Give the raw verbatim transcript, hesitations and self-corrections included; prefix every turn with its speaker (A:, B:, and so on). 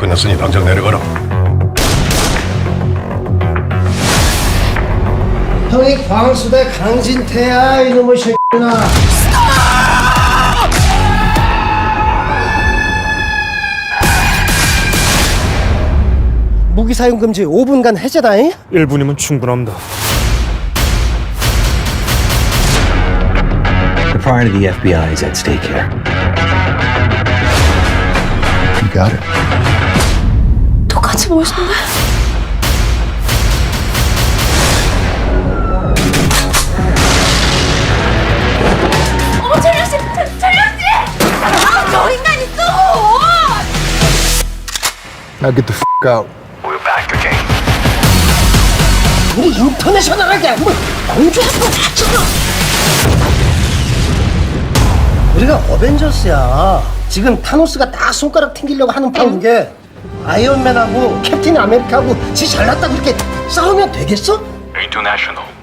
A: 끝났으니 당장 내려가라.
B: 형이 광수대 강진태야 이놈의 새끼나. 무기 사용 금지 오 분간 해제다잉.
C: 일 분이면 충분합니다.
D: The pride of the F B I is at stake here.
A: You got it.
E: 똑같이 멋있는데? 어머 철량씨! 철량씨! 아, 저 인간이 또!
A: Now get the f*** out. We're back again.
B: 우리 인터내셔널하게 뭐 공주에서 다쳤어. 우리가 어벤져스야. 지금 타노스가 딱 손가락 튕기려고 하는 판국에 아이언맨하고 캡틴 아메리카하고 지 잘났다 그렇게 싸우면 되겠어?
A: International.